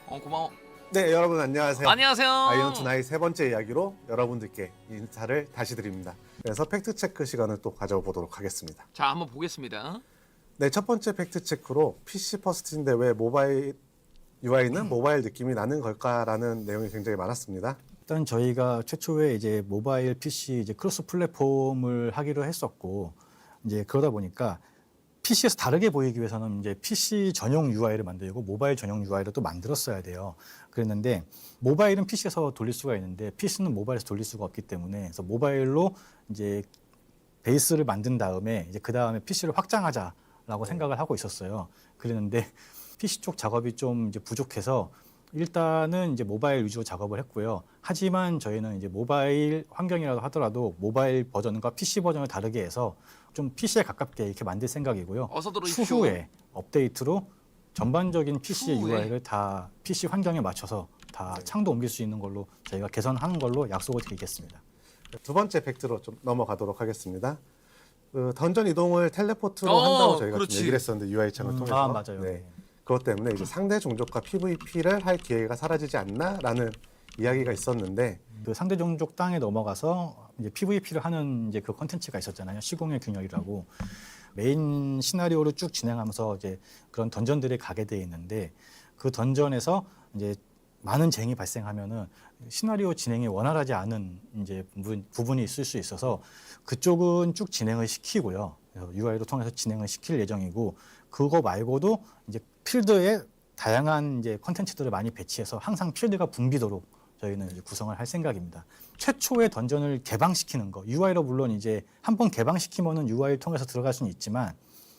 고마워. 네, 여러분 안녕하세요. 안녕하세요. 아이언2 나이 세 번째 이야기로 여러분들께 인사를 다시 드립니다. 그래서 팩트체크 시간을 또 가져보도록 하겠습니다. 자, 한번 보겠습니다. 네, 첫 번째 팩트체크로 PC 퍼스트인데 왜 모바일 UI는 모바일 느낌이 나는 걸까라는 내용이 굉장히 많았습니다. 일단 저희가 최초에 이제 모바일 PC 이제 크로스 플랫폼을 하기로 했었고, 이제 그러다 보니까 PC에서 다르게 보이기 위해서는 이제 PC 전용 UI를 만들고 모바일 전용 UI를 또 만들었어야 돼요. 그랬는데 모바일은 PC에서 돌릴 수가 있는데 PC는 모바일에서 돌릴 수가 없기 때문에 그래서 모바일로 이제 베이스를 만든 다음에 이제 그 다음에 PC를 확장하자라고 생각을 하고 있었어요. 그랬는데 PC 쪽 작업이 좀 이제 부족해서 일단은 이제 모바일 위주로 작업을 했고요. 하지만 저희는 이제 모바일 환경이라도 하더라도 모바일 버전과 PC 버전을 다르게 해서 좀 PC에 가깝게 이렇게 만들 생각이고요. 어서 들어오십시오. 추후에 업데이트로 전반적인 PC의 추후에? UI를 다 PC 환경에 맞춰서 다 창도 옮길 수 있는 걸로 저희가 개선하는 걸로 약속을 드리겠습니다. 두 번째 팩트로 좀 넘어가도록 하겠습니다. 그 던전 이동을 텔레포트로 어, 한다고 저희가 그렇지. 좀 얘기를 했었는데 UI 창을 통해서. 아, 맞아요. 네. 그것 때문에 이제 상대 종족과 PVP를 할 기회가 사라지지 않나라는 이야기가 있었는데 그 상대 종족 땅에 넘어가서 이제 PVP를 하는 이제 그 컨텐츠가 있었잖아요. 시공의 균열이라고 메인 시나리오를 쭉 진행하면서 이제 그런 던전들이 가게 돼 있는데 그 던전에서 이제 많은 쟁이 발생하면은 시나리오 진행이 원활하지 않은 이제 부분이 있을 수 있어서 그쪽은 쭉 진행을 시키고요. UI로 통해서 진행을 시킬 예정이고 그거 말고도 이제 필드에 다양한 이제 컨텐츠들을 많이 배치해서 항상 필드가 붐비도록 저희는 이제 구성을 할 생각입니다. 최초의 던전을 개방시키는 거, UI로 물론 이제 한번 개방시키면은 UI를 통해서 들어갈 수는 있지만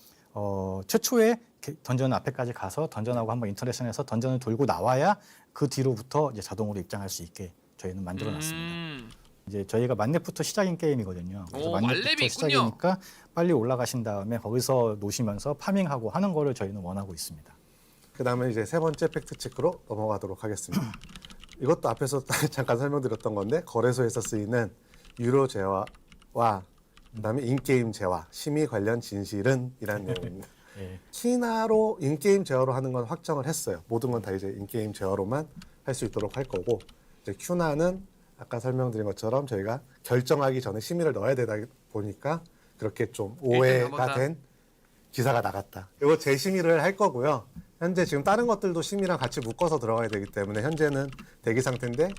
최초에 던전 앞에까지 가서 던전하고 한번 인터랙션해서 던전을 돌고 나와야 그 뒤로부터 이제 자동으로 입장할 수 있게 저희는 만들어놨습니다. 이제 저희가 만렙부터 시작인 게임이거든요. 그래서 오, 만렙부터 만렙이 있군요. 시작이니까 빨리 올라가신 다음에 거기서 노시면서 파밍하고 하는 거를 저희는 원하고 있습니다. 그 다음에 이제 세 번째 팩트체크로 넘어가도록 하겠습니다. 이것도 앞에서 잠깐 설명드렸던 건데 거래소에서 쓰이는 유료 재화와 그다음에 인게임 재화, 심의 관련 진실은 이라는 내용입니다. 예. 키나로 인게임 제어로 하는 건 확정을 했어요. 모든 건 다 이제 인게임 제어로만 할 수 있도록 할 거고 이제 큐나는 아까 설명드린 것처럼 저희가 결정하기 전에 심의를 넣어야 되다 보니까 그렇게 좀 오해가 된 기사가 나갔다. 이거 재심의를 할 거고요. 현재 지금 다른 것들도 심의랑 같이 묶어서 들어가야 되기 때문에 현재는 대기 상태인데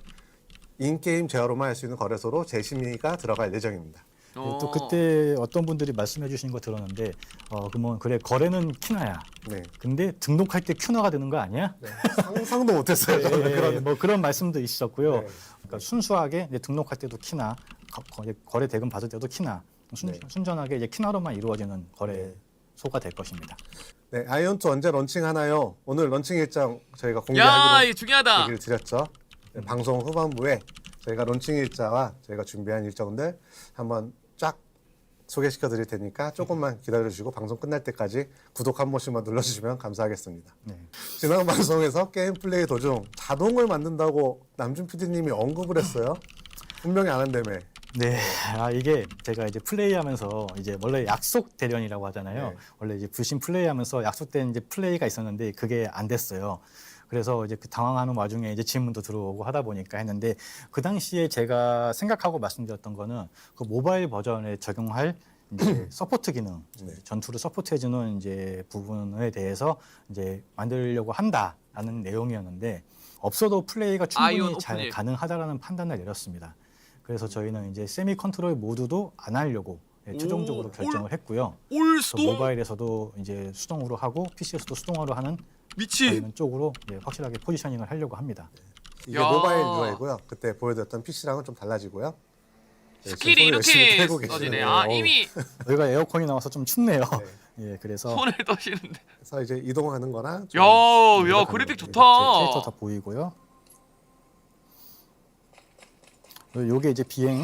인게임 제어로만 할 수 있는 거래소로 재심의가 들어갈 예정입니다. 또 그때 어떤 분들이 말씀해 주신 거 들었는데 그러면 그래 거래는 큐나야. 네. 근데 등록할 때 큐나가 되는 거 아니야? 네. 상상도 못했어요. 저는 그런. 뭐 그런 말씀도 있었고요. 네. 그러니까 순수하게 이제 등록할 때도 키나 거래 대금 받을 때도 키나 네. 순전하게 이제 키나로만 이루어지는 거래소가 될 것입니다. 네, 아이언2 언제 런칭하나요? 오늘 런칭 일정 저희가 야, 공개하기로 이거 중요하다. 얘기를 드렸죠. 네, 방송 후반부에 저희가 런칭 일자와 저희가 준비한 일정들 한번 쫙 소개시켜 드릴 테니까 조금만 기다려 주시고 방송 끝날 때까지 구독 한 번씩만 눌러주시면 감사하겠습니다. 네. 지난 방송에서 게임 플레이 도중 자동을 만든다고 남준 PD님이 언급을 했어요. 분명히 안 한다며. 네, 이게 제가 이제 플레이하면서 이제 원래 약속 대련이라고 하잖아요. 네. 원래 이제 불신 플레이하면서 약속된 이제 플레이가 있었는데 그게 안 됐어요. 그래서 이제 그 당황하는 와중에 이제 질문도 들어오고 하다 보니까 했는데 그 당시에 제가 생각하고 말씀드렸던 거는 그 모바일 버전에 적용할 이제 서포트 기능, 네. 전투를 서포트해주는 이제 부분에 대해서 이제 만들려고 한다라는 내용이었는데 없어도 플레이가 아이온 충분히 잘 오픈일. 가능하다라는 판단을 내렸습니다. 그래서 저희는 이제 세미 컨트롤 모드도 안 하려고 최종적으로 오, 결정을 했고요. 올 그래서 수동 모바일에서도 이제 수동으로 하고 PC에서도 수동으로 하는 미치. 저희는 쪽으로 확실하게 포지셔닝을 하려고 합니다. 이게 야. 모바일 UI고요. 그때 보여드렸던 PC랑은 좀 달라지고요. 네, 스킬이 지금 손을 열심히 이렇게 떼고 계시네요. 써지네. 아, 이미 여기가 에어컨이 나와서 좀 춥네요. 네. 예, 그래서 손을 떠시는데. 그래서 이제 이동하는 거나 좀 야, 야, 조작하는 그래픽 거. 좋다. 캐릭터 다 보이고요. 그리고 요게 이제 비행, 야,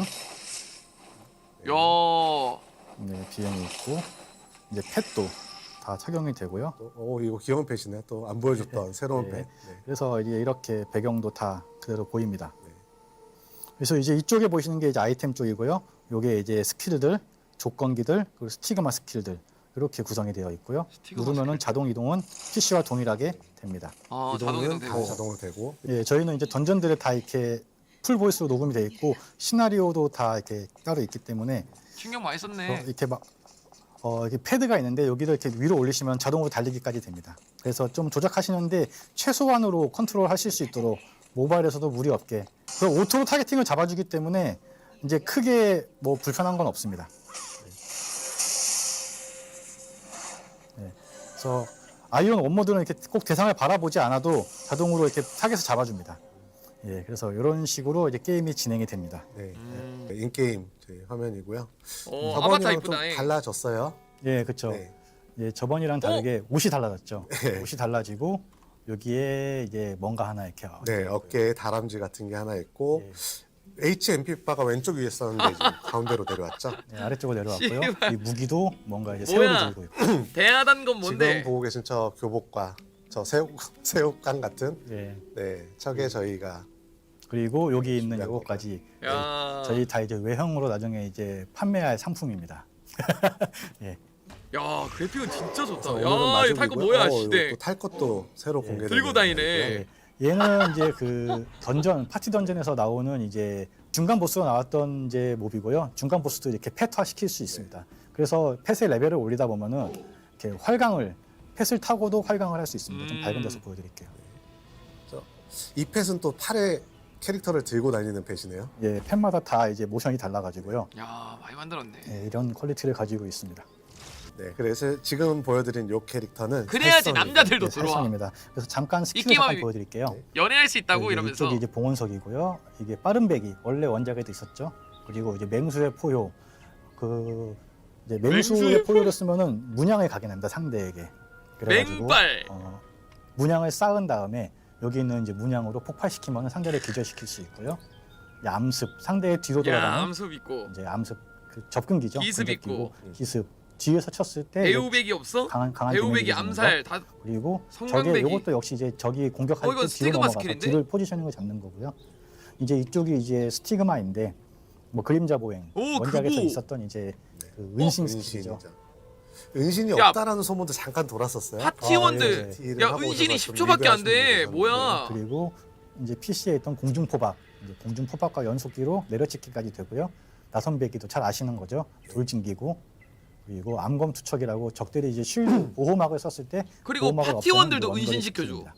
네, 비행이 있고 이제 펫도 다 착용이 되고요. 오, 이거 귀여운 펫이네. 또 안 보여줬던 새로운 네. 펫. 네. 그래서 이제 이렇게 배경도 다 그대로 보입니다. 네. 그래서 이제 이쪽에 보시는 게 이제 아이템 쪽이고요. 요게 이제 스킬들, 조건기들, 그리고 스티그마 스킬들 이렇게 구성이 되어 있고요. 스티커가 누르면은 자동 이동은 PC와 동일하게 됩니다. 아, 자동 이동 이동은 다 되고. 자동으로 되고 예, 저희는 이제 던전들에 다 이렇게 풀 보이스로 녹음이 되어 있고 시나리오도 다 이렇게 따로 있기 때문에 신경 많이 썼네. 이렇게 막 이렇게 패드가 있는데 여기를 이렇게 위로 올리시면 자동으로 달리기까지 됩니다. 그래서 좀 조작하시는데 최소한으로 컨트롤 하실 수 있도록 모바일에서도 무리 없게. 그리고 오토로 타겟팅을 잡아주기 때문에 이제 크게 뭐 불편한 건 없습니다. 네. 그래서 아이온 원모드는 이렇게 꼭 대상을 바라보지 않아도 자동으로 이렇게 타겟을 잡아줍니다. 예, 그래서 이런 식으로 이제 게임이 진행이 됩니다. 네, 인게임 저희 화면이고요. 아바타 저번이랑 좀 이쁘다. 달라졌어요. 예, 그렇죠. 네. 예, 저번이랑 다르게 옷이 달라졌죠. 네. 옷이 달라지고 여기에 이제 뭔가 하나 이렇게 네, 어깨에 다람쥐 같은 게 하나 있고 예. HMP 바가 왼쪽 위에 있었는데 지금 가운데로 내려왔죠. 네, 아래쪽으로 내려왔고요. 씨발. 이 무기도 뭔가 이제 뭐야? 새우를 들고 있고. 대하단 건 뭔데? 지금 보고 계신 저 교복과 저 새우깡 같은 예. 네, 척에 저희가 그리고 여기 있는 준비한 이것까지 야, 저희 다 이제 외형으로 나중에 이제 판매할 상품입니다. 예. 야 그래픽은 진짜 좋다. 오늘은 야 이거 탈 거 뭐야? 이거 시대. 또 탈 것도 새로 공개되고 들고 다니네. 예. 얘는 이제 그 던전 파티 던전에서 나오는 이제 중간 보스가 나왔던 이제 몹이고요. 중간 보스도 이렇게 펫화 시킬 수 있습니다. 그래서 펫의 레벨을 올리다 보면은 이렇게 활강을 펫을 타고도 활강을 할 수 있습니다. 좀 밝은 데서 보여드릴게요. 이 펫은 또 팔에 캐릭터를 들고 다니는 펫이네요. 예, 펫마다 다 이제 모션이 달라가지고요. 야 많이 만들었네. 예, 이런 퀄리티를 가지고 있습니다. 네, 그래서 지금 보여드린 요 캐릭터는 그래야지 살성이고요. 남자들도 예, 들어와. 살성입니다. 그래서 잠깐 이 스킬을 게임 잠깐 하면- 보여드릴게요. 네. 연애할 수 있다고 여기 이러면서. 이쪽이 이제 봉원석이고요. 이게 빠른 배기 원래 원작에도 있었죠. 그리고 이제 맹수의 포효 그 이제 맹수의 맹수의 포효를 쓰면은 문양을 가게 됩니다 상대에게. 그래가지고 맹발. 문양을 쌓은 다음에 여기 있는 이제 문양으로 폭발시키면 상대를 기절시킬 수 있고요. 이제 암습 상대의 뒤로 야 돌아가는 암습 있고. 이제 암습 그 접근기죠. 기습 근접기고, 있고. 기습 뒤에서 쳤을 때 배우백이 없어? 강한 배우백이 데미지를 주는 암살 다. 그리고 성광배기. 저게 이것도 역시 이제 적이 공격할 이거 때 뒤로 스티그마 넘어가서 스킬인데? 뒤를 포지셔닝을 잡는 거고요. 이제 이쪽이 이제 스티그마인데 뭐 그림자 보행 오, 원작에서 그거. 있었던 이제 그 은신 은신이죠. 스킬이죠. 은신이 야, 없다라는 소문도 잠깐 돌았었어요. 파티원들. 예. 야 은신이 10초밖에 안 돼. 뭐야? 그리고 이제 PC에 있던 공중 포박, 이제 공중 포박과 연속기로 내려찍기까지 되고요. 나선배기도 잘 아시는 거죠. 돌진기고 그리고 암검 투척이라고 적들이 이제 쉴드 보호막을 썼을 때 그리고 보호막을 파티원들도 없애는 은신 원거리 시켜줘. 스킬입니다.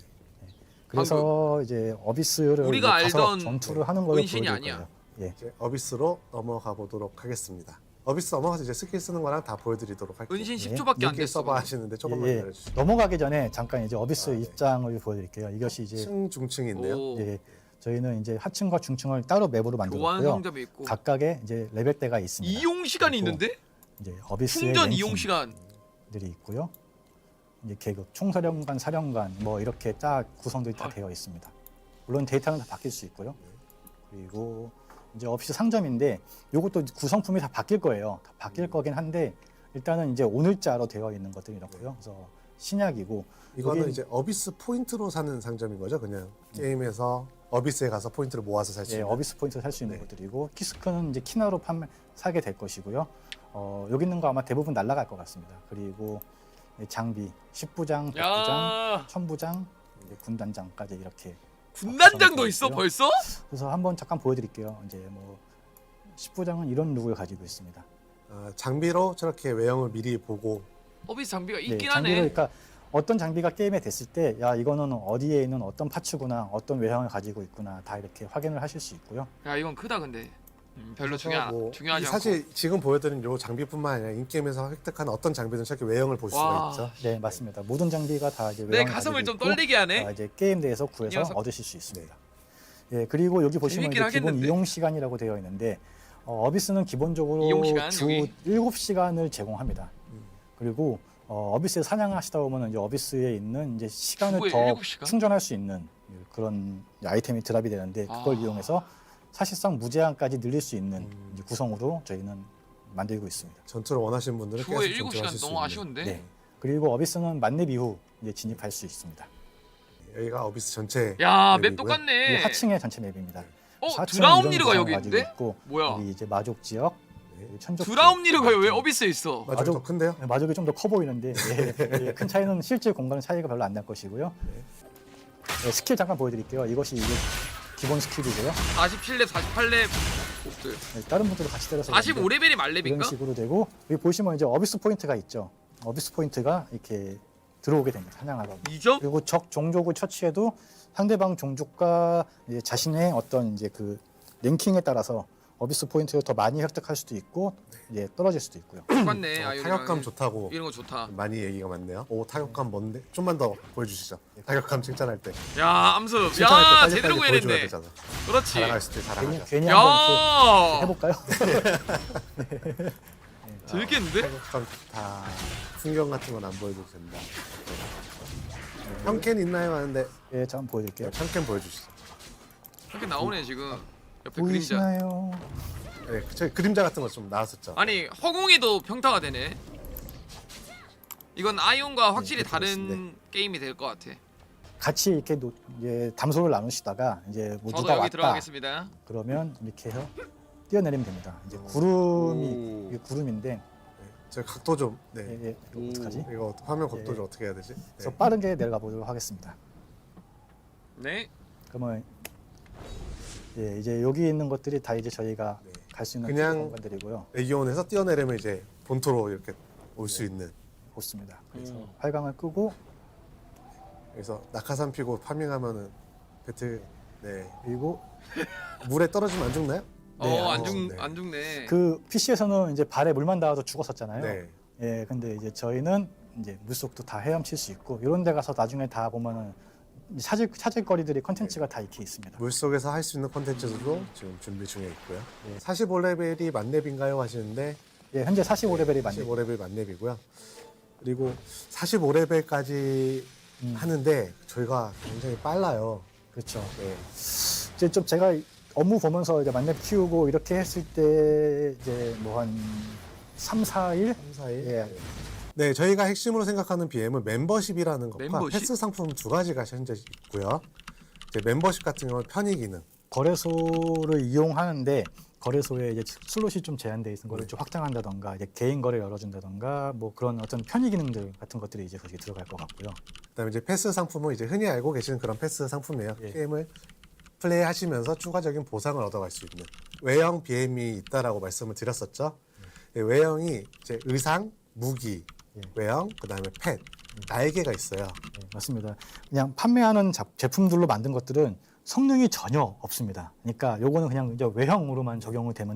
그래서 이제 어비스를 우리가 이제 가서 알던 전투를 하는 거를 은신이 보여드릴 아니야. 거예요. 예. 이제 어비스로 넘어가 보도록 하겠습니다. 어비스 넘어가서 이제 스킬 쓰는 거랑 다 보여드리도록 할게요. 은신 예. 10초밖에 안 링크 됐어. 서버 하시는데 조금만 예, 예. 기다려주시죠. 넘어가기 전에 잠깐 이제 어비스 네. 입장을 보여드릴게요. 이것이 이제 층 중층이 있네요. 오, 이제 저희는 이제 하층과 중층을 따로 맵으로 교환 만들었고요. 상점이 있고. 각각의 이제 레벨대가 있습니다. 이용 시간이 그리고 있는데? 이제 어비스의 충전 이용 시간. 랭킹들이 있고요. 이제 계급, 총사령관, 사령관 뭐 이렇게 딱 구성들이 다 아. 되어 있습니다. 물론 데이터는 다 바뀔 수 있고요. 그리고 이제 어비스 상점인데 이것도 구성품이 다 바뀔 거예요. 다 바뀔 거긴 한데 일단은 이제 오늘자로 되어 있는 것들이 이렇고요. 그래서 신약이고 이거는 여기- 이제 어비스 포인트로 사는 상점인 거죠, 그냥 게임에서 어비스에 가서 포인트를 모아서 살 수 예, 있는. 어비스 포인트 살 수 있는 네. 것들이고 키스크는 이제 키나로 사게 될 것이고요. 여기 있는 거 아마 대부분 날아갈 것 같습니다. 그리고 장비 10부장, 100부장, 야 1000부장, 이제 군단장까지 이렇게. 군단장도 있어 있고요. 벌써? 그래서 한번 잠깐 보여드릴게요. 이제 뭐 10부장은 이런 룩을 가지고 있습니다. 장비로 저렇게 외형을 미리 보고 어비스 장비가 네, 있긴 장비를 하네. 그러니까 어떤 장비가 게임에 됐을 때, 야 이거는 어디에 있는 어떤 파츠구나, 어떤 외형을 가지고 있구나, 다 이렇게 확인을 하실 수 있고요. 야 이건 크다 근데. 별로 그래서 뭐 중요하지 않고. 사실 지금 보여드린 요 장비뿐만 아니라 인게임에서 획득한 어떤 장비든 저렇게 외형을 볼 수가 와. 있죠. 네, 맞습니다. 모든 장비가 다 이제 내 외형을 가슴을 가지고 좀 있고, 떨리게 하네. 이제 게임 내에서 이 구해서 녀석. 얻으실 수 있습니다. 예, 그리고 여기 보시면 재밌긴 이제 기본 하겠는데? 이용 시간이라고 되어 있는데 이용 어비스는 기본적으로 시간, 주 여기? 7시간을 제공합니다. 그리고 어비스에 사냥하시다 보면 이제 어비스에 있는 이제 시간을 주에 더 7시간? 충전할 수 있는 그런 아이템이 드랍이 되는데 그걸 아. 이용해서 사실상 무제한까지 늘릴 수 있는 이제 구성으로 저희는 만들고 있습니다. 전투를 원하시는 분들은 주에 계속 7시간 전투하실 수 너무 있는. 아쉬운데. 네. 그리고 어비스는 만렙 이후 이제 진입할 수 있습니다. 여기가 어비스 전체. 야 맵 맵이고요. 이 똑같네. 하층의 전체 맵입니다. 어 하층은 드라운리르가 이런 여기 구성을 가지고 있는데? 있고, 뭐야? 여기 이제 마족 지역, 천적 드라움니르가 왜 어비스에 있어? 마족 더 큰데요? 네, 마족이 좀 더 커 보이는데 큰 차이는 실제 공간 차이가 별로 안 날 것이고요. 네, 스킬 잠깐 보여드릴게요. 이것이 이게 기본 스킬이고요. 47렙, 48렙 복들. 네, 다른 분들도 같이 때려서 45레벨이 이런 말렙인가? 식으로 되고 여기 보시면 이제 어비스 포인트가 있죠. 어비스 포인트가 이렇게 들어오게 됩니다. 사냥하다 보면. 2점? 그리고 적 종족을 처치해도 상대방 종족과 이제 자신의 어떤 이제 그 랭킹에 따라서 어비스 포인트를 더 많이 획득할 수도 있고 이제 떨어질 수도 있고요. 똑같네. 아, 타격감 좋다고 이런 거 좋다. 많이 얘기가 많네요. 오 타격감 뭔데? 좀만 더 보여주시죠. 타격감 칭찬할 때. 야, 암습. 칭찬할 때 야, 빨리빨리 제대로 보여줘야 구해냈네. 되잖아. 그렇지. 자랑할 때 자랑하자. 괜히 한번 이렇게 야, 해볼까요? 재밌겠는데? 타격감 좋다. 풍경 같은 건 안 보여줘도 된다. 형캔 있나요? 하는데 예, 자 한번 보여드릴게요. 형캔 보여주시죠. 이렇게 나오네 지금. 옆에 그림자. 보이시나요? 네, 저희 그림자 같은 거 좀 나왔었죠. 아니 허공에도 평타가 되네. 이건 아이온과 확실히 네, 다른 그렇습니다. 게임이 될 것 같아. 같이 이렇게 이제 담소를 나누시다가 이제 뭐 저도 누가 여기 왔다 들어가겠습니다. 그러면 이렇게 해서 뛰어내리면 됩니다. 이제 구름이 오. 이게 구름인데 네, 저 각도 좀. 네. 예, 예, 이거 어떡하지? 이거 화면 각도 예. 좀 어떻게 해야 되지? 네. 그래서 빠르게 내려가 보도록 하겠습니다. 네. 그러면 예, 이제 여기 있는 것들이 다 이제 저희가 네. 갈 수 있는 그냥 공간들이고요. 레기온에서 뛰어내리면 이제 본토로 이렇게 올 수 있는. 좋습니다. 그래서 음. 활강을 끄고 그래서 낙하산 피고 파밍하면은 배틀. 네. 그리고 물에 떨어지면 안 죽나요? 안 네. 안 죽네. 그 PC에서는 이제 발에 물만 닿아도 죽었었잖아요. 네. 예, 근데 이제 저희는 이제 물속도 다 헤엄칠 수 있고 이런 데 가서 나중에 다 보면은 찾을 거리들이 컨텐츠가 다 이렇게 있습니다. 물 속에서 할 수 있는 콘텐츠도 지금 준비 중에 있고요. 네. 45레벨이 만렙인가요 하시는데 예, 현재 45레벨이 맞네요. 45레벨 만렙이고요. 그리고 45레벨까지 하는데 저희가 굉장히 빨라요. 그렇죠. 네. 이제 좀 제가 업무 보면서 이제 만렙 키우고 이렇게 했을 때 이제 뭐 한 3, 4일 3, 4일. 예. 네, 저희가 핵심으로 생각하는 BM은 멤버십이라는 것과 멤버십? 패스 상품 두 가지가 현재 있고요. 이제 멤버십 같은 경우는 편의 기능. 거래소를 이용하는데 거래소에 이제 슬롯이 좀 제한돼 있는 거를 네. 좀 확장한다던가 이제 개인 거래 열어준다던가 뭐 그런 어떤 편의 기능들 같은 것들이 이제 거기에 들어갈 것 같고요. 그다음에 이제 패스 상품은 이제 흔히 알고 계시는 그런 패스 상품이에요. 예. 게임을 플레이하시면서 추가적인 보상을 얻어갈 수 있는 외형 BM이 있다라고 말씀을 드렸었죠. 예, 외형이 이제 의상, 무기, 예. 외형, 그다음에 펫, 날개가 있어요. 네, 맞습니다. 그냥 판매하는 제품들로 만든 것들은 성능이 전혀 없습니다. 그러니까 요거는 그냥 이제 외형으로만 적용이 되는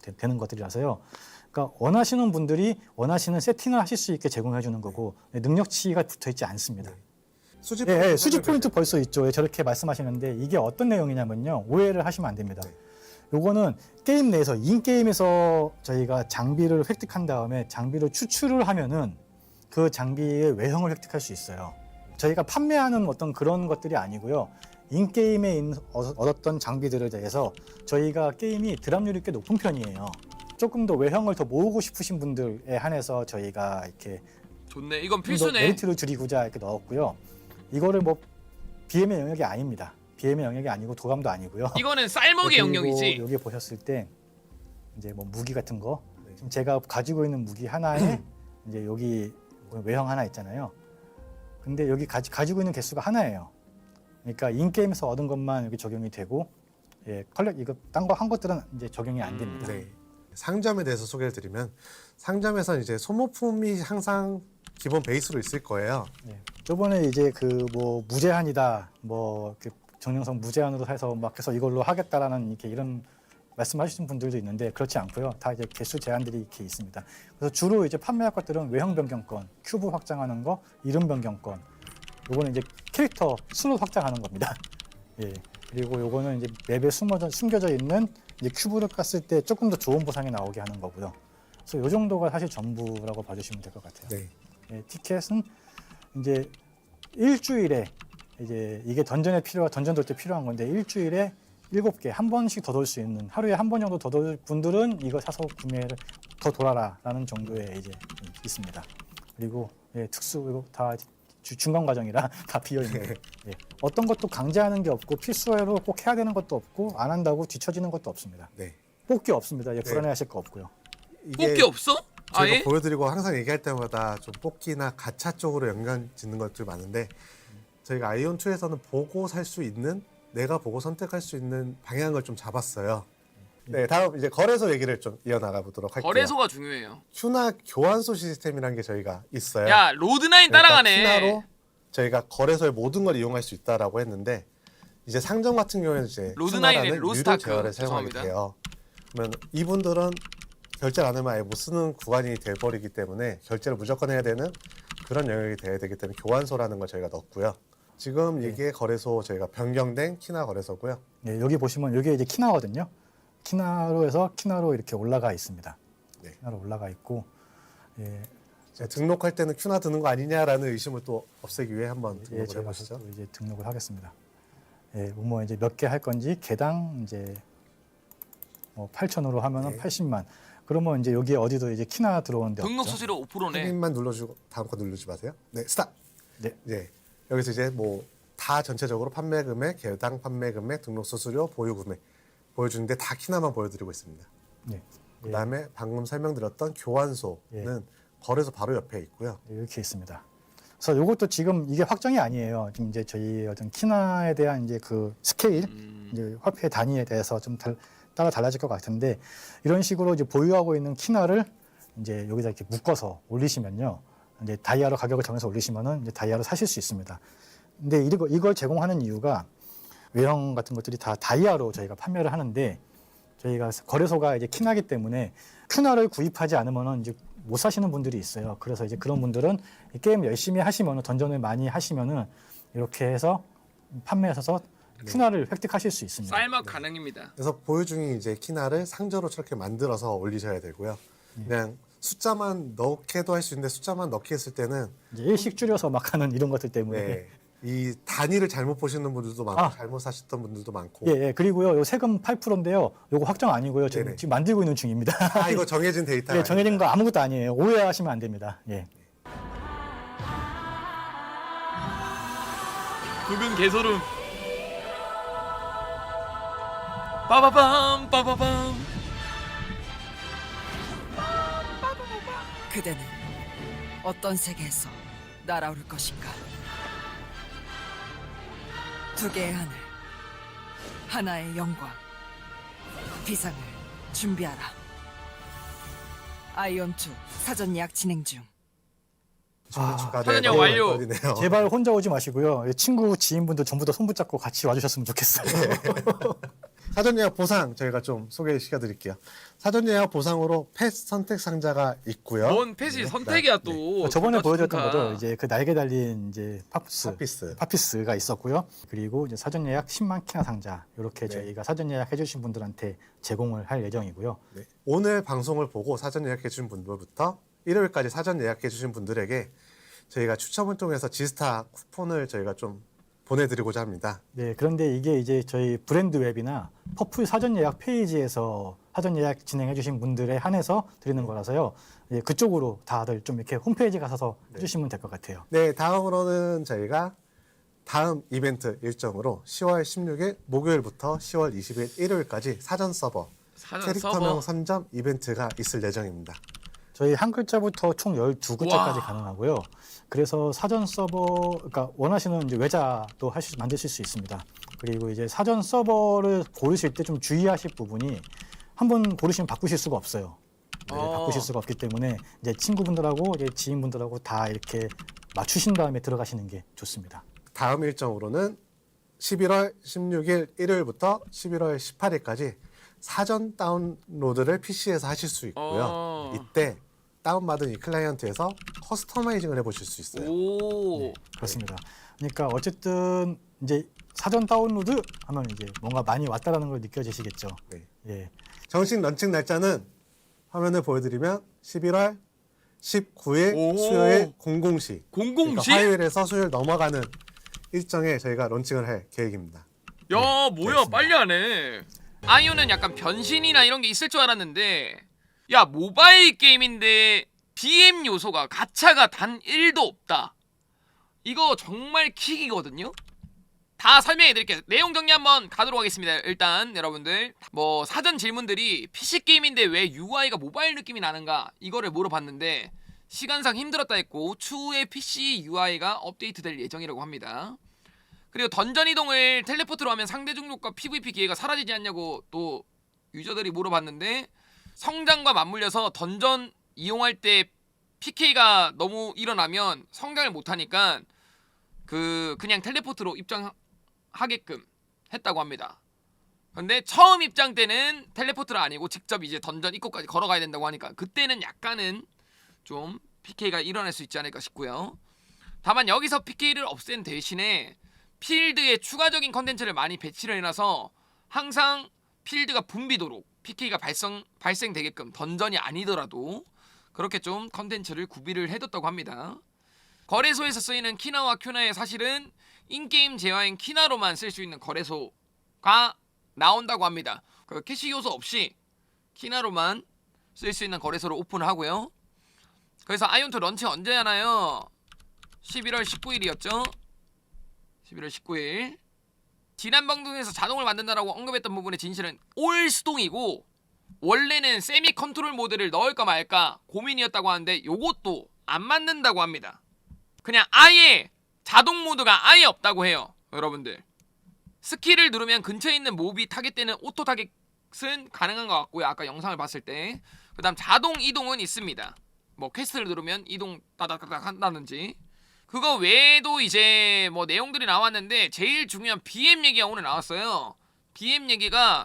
것들이라서요. 그러니까 원하시는 분들이 원하시는 세팅을 하실 수 있게 제공해 주는 거고 능력치가 붙어 있지 않습니다. 수집 예, 포인트 수집 포인트 설명해 벌써 있죠. 예, 저렇게 말씀하시는데 이게 어떤 내용이냐면요. 오해를 하시면 안 됩니다. 네. 요거는 게임 내에서 인게임에서 저희가 장비를 획득한 다음에 장비를 추출을 하면은 그 장비의 외형을 획득할 수 있어요. 저희가 판매하는 어떤 그런 것들이 아니고요. 인게임에 얻었던 장비들에 대해서 저희가 게임이 드랍률이 꽤 높은 편이에요. 조금 더 외형을 더 모으고 싶으신 분들에 한해서 저희가 이렇게 좋네. 이건 좀 더 필수네. 메리트를 줄이고자 이렇게 넣었고요. 이거를 뭐 BM의 영역이 아닙니다. BM의 영역이 아니고 도감도 아니고요. 이거는 쌀먹의 그리고 영역이지. 여기 보셨을 때 이제 뭐 무기 같은 거 네. 지금 제가 가지고 있는 무기 하나에 이제 여기 외형 하나 있잖아요. 근데 여기 가지고 있는 개수가 하나예요. 그러니까 인게임에서 얻은 것만 여기 적용이 되고 예, 이거 딴 거 한 것들은 이제 적용이 안 됩니다. 네. 상점에 대해서 소개를 드리면 상점에서는 이제 소모품이 항상 기본 베이스로 있을 거예요. 예. 저번에 이제 그 뭐 무제한이다, 뭐 정령성 무제한으로 해서 막 해서 이걸로 하겠다라는 이렇게 이런 말씀하시는 분들도 있는데 그렇지 않고요. 다 이제 개수 제한들이 이렇게 있습니다. 그래서 주로 이제 판매할 것들은 외형 변경권, 큐브 확장하는 거, 이름 변경권. 요거는 이제 캐릭터 슬롯 확장하는 겁니다. 예. 그리고 요거는 이제 맵에 숨겨져 있는 이제 큐브를 깠을 때 조금 더 좋은 보상이 나오게 하는 거고요. 그래서 요 정도가 사실 전부라고 봐주시면 될 것 같아요. 네. 예, 티켓은 이제 일주일에 이제 이게 던전 돌 때 필요한 건데 일주일에 7개 한 번씩 더 돌 수 있는 하루에 한 번 정도 더 돌 분들은 이거 사서 구매를 더 돌아라라는 정도의 이제 있습니다. 그리고 예, 이거 다 중간 과정이라 다 비어 있는. 예, 어떤 것도 강제하는 게 없고 필수로 꼭 해야 되는 것도 없고 안 한다고 뒤처지는 것도 없습니다. 네. 뽑기 없습니다. 예, 네. 불안해하실 거 없고요. 뽑기 없어? 저희가 아예? 보여드리고 항상 얘기할 때마다 좀 뽑기나 가챠 쪽으로 연관 짓는 것들이 많은데 저희가 아이온2에서는 보고 살 수 있는 내가 보고 선택할 수 있는 방향을 좀 잡았어요. 네, 다음 이제 거래소 얘기를 좀 이어나가 보도록 할게요. 거래소가 중요해요. 큐나 교환소 시스템이라는 게 저희가 있어요. 야 로드나인 그러니까 따라가네. 큐나로 저희가 거래소의 모든 걸 이용할 수 있다라고 했는데 이제 상점 같은 경우에는 이제 로드나인의 큐나라는 유료 로스타크. 제어를 사용하게 죄송합니다. 돼요. 그러면 이분들은 결제를 안 하면 아예 못 쓰는 구간이 돼버리기 때문에 결제를 무조건 해야 되는 그런 영역이 돼야 되기 때문에 교환소라는 걸 저희가 넣었고요. 지금 이게 거래소 저희가 변경된 키나 거래소고요. 네, 여기 보시면 이게 이제 키나거든요. 키나로 해서 키나로 이렇게 올라가 있습니다. 네. 키나로 올라가 있고 예, 제가 등록할 때는 큐나 드는 거 아니냐라는 의심을 또 없애기 위해 한번 예, 등록을 제가 해보시죠. 또 이제 등록을 하겠습니다. 예, 뭐 이제 몇 개 할 건지 개당 이제 8,000으로 하면은 네. 80만. 그러면 이제 여기에 어디도 이제 키나 들어오는데 등록 없죠. 수수료 5%네. 확인만 눌러주고 다음 거 누르지 마세요. 네, 스탑. 네. 네, 여기서 이제 뭐 다 전체적으로 판매 금액, 개당 판매 금액, 등록 수수료, 보유 금액 보여주는데 다 키나만 보여드리고 있습니다. 네. 그다음에 방금 설명드렸던 교환소는 거래소 바로 옆에 있고요. 예, 이렇게 있습니다. 그래서 이것도 지금 이게 확정이 아니에요. 지금 이제 저희 어떤 키나에 대한 이제 그 스케일, 이제 화폐 단위에 대해서 좀 따라 달라질 것 같은데 이런 식으로 이제 보유하고 있는 키나를 이제 여기다 이렇게 묶어서 올리시면요, 이제 다이아로 가격을 정해서 올리시면은 이제 다이아로 사실 수 있습니다. 근데 이걸 제공하는 이유가 외형 같은 것들이 다 다이아로 저희가 판매를 하는데 저희가 거래소가 이제 키나기 때문에 큐나를 구입하지 않으면은 이제 못 사시는 분들이 있어요. 그래서 이제 그런 분들은 이 게임 열심히 하시면은 던전을 많이 하시면은 이렇게 해서 판매하셔서 큐나를 획득하실 수 있습니다. 쌀맛 가능입니다. 그래서 보유 중인 이제 키나를 상자로 저렇게 만들어서 올리셔야 되고요. 그냥 숫자만 넣게도 할 수 있는데 숫자만 넣기 했을 때는 이제 일식 줄여서 막 하는 이런 것들 때문에 네, 이 단위를 잘못 보시는 분들도 많고 아. 잘못 사셨던 분들도 많고 예, 그리고요, 요 세금 8%인데요. 요거 확정 아니고요. 네네. 지금 만들고 있는 중입니다. 아 이거 정해진 데이터 예, 정해진 거 아무것도 아니에요. 오해하시면 안 됩니다. 예. 붉은 개소름. 빠바밤 빠바밤. 그대는 어떤 세계에서 날아오를 것인가? 두 개의 하늘, 하나의 영광, 비상을 준비하라. 아이온2 사전 예약 진행 중. 사전 예약 완료. 제발 혼자 오지 마시고요. 예, 친구, 지인분들 전부 다 손 붙잡고 같이 와주셨으면 좋겠어요. 사전 예약 보상 저희가 좀 소개시켜 드릴게요. 사전 예약 보상으로 펫 선택 상자가 있고요. 뭔 펫이 선택이야 또. 저번에 좋다, 보여드렸던 좋다. 거죠. 이제 그 날개 달린 이제 파피스. 파피스가 있었고요. 그리고 이제 사전 예약 10만 키나 상자 이렇게 네. 저희가 사전 예약해주신 분들한테 제공을 할 예정이고요. 네. 오늘 방송을 보고 사전 예약해 주신 분들부터 일요일까지 사전 예약해 주신 분들에게 저희가 추첨을 통해서 지스타 쿠폰을 저희가 좀 보내드리고자 합니다. 네, 그런데 이게 이제 저희 브랜드 웹이나 퍼플 사전 예약 페이지에서 사전 예약 진행해주신 분들에 한해서 드리는 거라서요. 예, 그쪽으로 다들 좀 이렇게 홈페이지 가셔서 해주시면 될 것 같아요. 네, 다음으로는 저희가 다음 이벤트 일정으로 10월 16일 목요일부터 10월 20일 일요일까지 사전 서버 사전 캐릭터명 서버. 선점 이벤트가 있을 예정입니다. 저희 한 글자부터 총 12글자까지 와. 가능하고요. 그래서 사전 서버, 그러니까 원하시는 이제 외자도 만드실 수 있습니다. 그리고 이제 사전 서버를 고르실 때 좀 주의하실 부분이 한번 고르시면 바꾸실 수가 없어요. 네, 바꾸실 수가 없기 때문에 이제 친구분들하고 이제 지인분들하고 다 이렇게 맞추신 다음에 들어가시는 게 좋습니다. 다음 일정으로는 11월 16일 일요일부터 11월 18일까지 사전 다운로드를 PC에서 하실 수 있고요. 이때 다운받은 이 클라이언트에서 커스터마이징을 해보실 수 있어요. 오. 그렇습니다. 그러니까 어쨌든 이제 사전 다운로드 하면 이제 뭔가 많이 왔다라는 걸 느껴지시겠죠. 네. 예. 정식 런칭 날짜는 화면을 보여드리면 11월 19일 오. 수요일 00시. 그러니까 00시? 화요일에서 수요일 넘어가는 일정에 저희가 론칭을 할 계획입니다. 야 뭐야 그렇습니다. 빨리 하네. 아이오는 약간 변신이나 이런 게 있을 줄 알았는데 야 모바일 게임인데 BM 요소가 가차가 단 1도 없다. 이거 정말 킥이거든요. 다 설명해 드릴게요. 내용 정리 한번 가도록 하겠습니다. 일단 여러분들 뭐 사전 질문들이 PC 게임인데 왜 UI가 모바일 느낌이 나는가 이거를 물어봤는데 시간상 힘들었다 했고 추후에 PC UI가 업데이트될 예정이라고 합니다. 그리고 던전 이동을 텔레포트로 하면 상대 종족과 PVP 기회가 사라지지 않냐고 또 유저들이 물어봤는데 성장과 맞물려서 던전 이용할 때 PK가 너무 일어나면 성장을 못하니까 그냥 텔레포트로 입장하게끔 했다고 합니다. 근데 처음 입장 때는 텔레포트가 아니고 직접 이제 던전 입구까지 걸어가야 된다고 하니까 그때는 약간은 좀 PK가 일어날 수 있지 않을까 싶고요. 다만 여기서 PK를 없앤 대신에 필드에 추가적인 컨텐츠를 많이 배치를 해놔서 항상 필드가 붐비도록 PK가 발생되게끔 던전이 아니더라도 그렇게 좀 컨텐츠를 구비를 해뒀다고 합니다. 거래소에서 쓰이는 키나와 큐나의 사실은 인게임 재화인 키나로만 쓸 수 있는 거래소가 나온다고 합니다. 그 캐시 요소 없이 키나로만 쓸 수 있는 거래소를 오픈을 하고요. 그래서 아이온2 런치 언제 하나요? 11월 19일이었죠. 11월 19일. 지난 방송에서 자동을 만든다라고 언급했던 부분의 진실은 올 수동이고 원래는 세미 컨트롤 모드를 넣을까 말까 고민이었다고 하는데 요것도 안 맞는다고 합니다. 그냥 아예 자동 모드가 아예 없다고 해요. 여러분들 스킬을 누르면 근처에 있는 몹이 타겟되는 오토 타겟은 가능한 것 같고요. 아까 영상을 봤을 때. 그 다음 자동 이동은 있습니다. 뭐 퀘스트를 누르면 이동 따닥따닥 한다든지. 그거 외에도 이제 뭐 내용들이 나왔는데 제일 중요한 BM 얘기가 오늘 나왔어요. BM 얘기가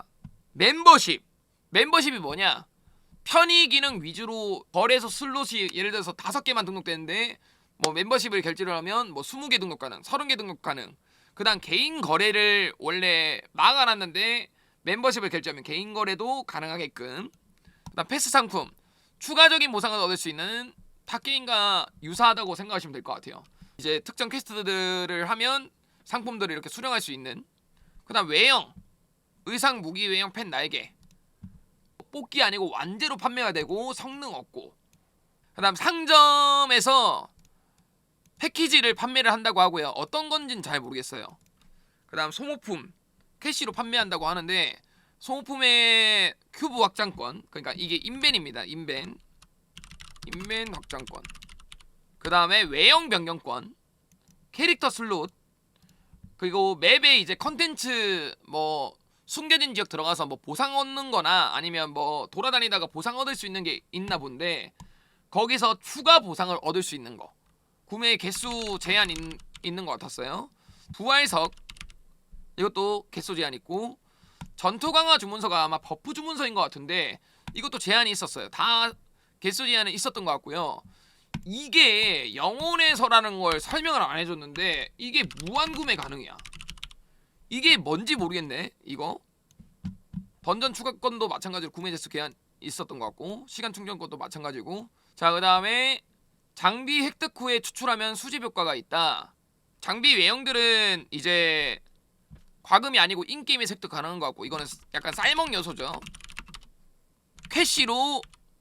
멤버십이 뭐냐? 편의 기능 위주로 거래소 슬롯이 예를 들어서 5개만 등록되는데 뭐 멤버십을 결제를 하면 뭐 20개 등록 가능, 30개 등록 가능. 그다음 개인 거래를 원래 막아놨는데 멤버십을 결제하면 개인 거래도 가능하게끔. 그다음 패스 상품, 추가적인 보상을 얻을 수 있는 팟게임과 유사하다고 생각하시면 될 것 같아요. 이제 특정 퀘스트들을 하면 상품들을 이렇게 수령할 수 있는. 그다음 외형, 의상, 무기, 외형, 펜, 날개. 뽑기 아니고 완제로 판매가 되고 성능 없고. 그다음 상점에서 패키지를 판매를 한다고 하고요. 어떤 건지는 잘 모르겠어요. 그다음 소모품 캐시로 판매한다고 하는데 소모품의 큐브 확장권, 그러니까 이게 인벤입니다. 인벤 확장권. 그다음에 외형 변경권, 캐릭터 슬롯, 그리고 맵에 이제 컨텐츠 뭐 숨겨진 지역 들어가서 뭐 보상 얻는 거나 아니면 뭐 돌아다니다가 보상 얻을 수 있는 게 있나 본데 거기서 추가 보상을 얻을 수 있는 거. 구매 개수 제한 있는 것 같았어요. 부활석 이것도 개수 제한 있고 전투 강화 주문서가 아마 버프 주문서인 것 같은데 이것도 제한이 있었어요. 다 개수 제한은 있었던 것 같고요. 이게 영혼에서라는 걸 설명을 안 해줬는데 이게 무한 구매 가능이야. 이게 뭔지 모르겠네. 이거 던전 추가권도 마찬가지로 구매 재수 제한 있었던 것 같고 시간 충전권도 마찬가지고. 자, 그 다음에 장비 획득 후에 추출하면 수집 효과가 있다. 장비 외형들은 이제 과금이 아니고 인게임에서 획득 가능한 것 같고 이거는 약간 쌀먹 요소죠. 캐시로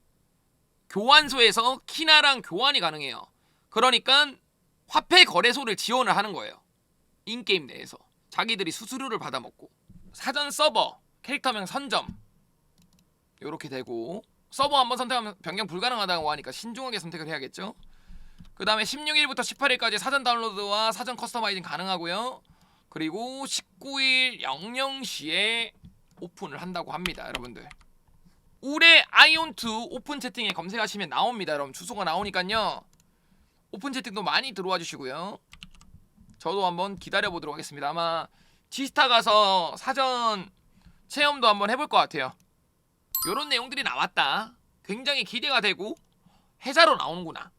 교환소에서 키나랑 교환이 가능해요. 그러니까 화폐 거래소를 지원을 하는 거예요. 인게임 내에서 자기들이 수수료를 받아먹고. 사전 서버 캐릭터명 선점 요렇게 되고 서버 한번 선택하면 변경 불가능하다고 하니까 신중하게 선택을 해야겠죠. 그 다음에 16일부터 18일까지 사전 다운로드와 사전 커스터마이징 가능하고요. 그리고 19일 00시에 오픈을 한다고 합니다. 여러분들 올해 아이온2 오픈 채팅에 검색하시면 나옵니다. 여러분 주소가 나오니까요. 오픈 채팅도 많이 들어와 주시고요. 저도 한번 기다려보도록 하겠습니다. 아마 지스타 가서 사전 체험도 한번 해볼 것 같아요. 요런 내용들이 나왔다. 굉장히 기대가 되고 회사로 나오는구나.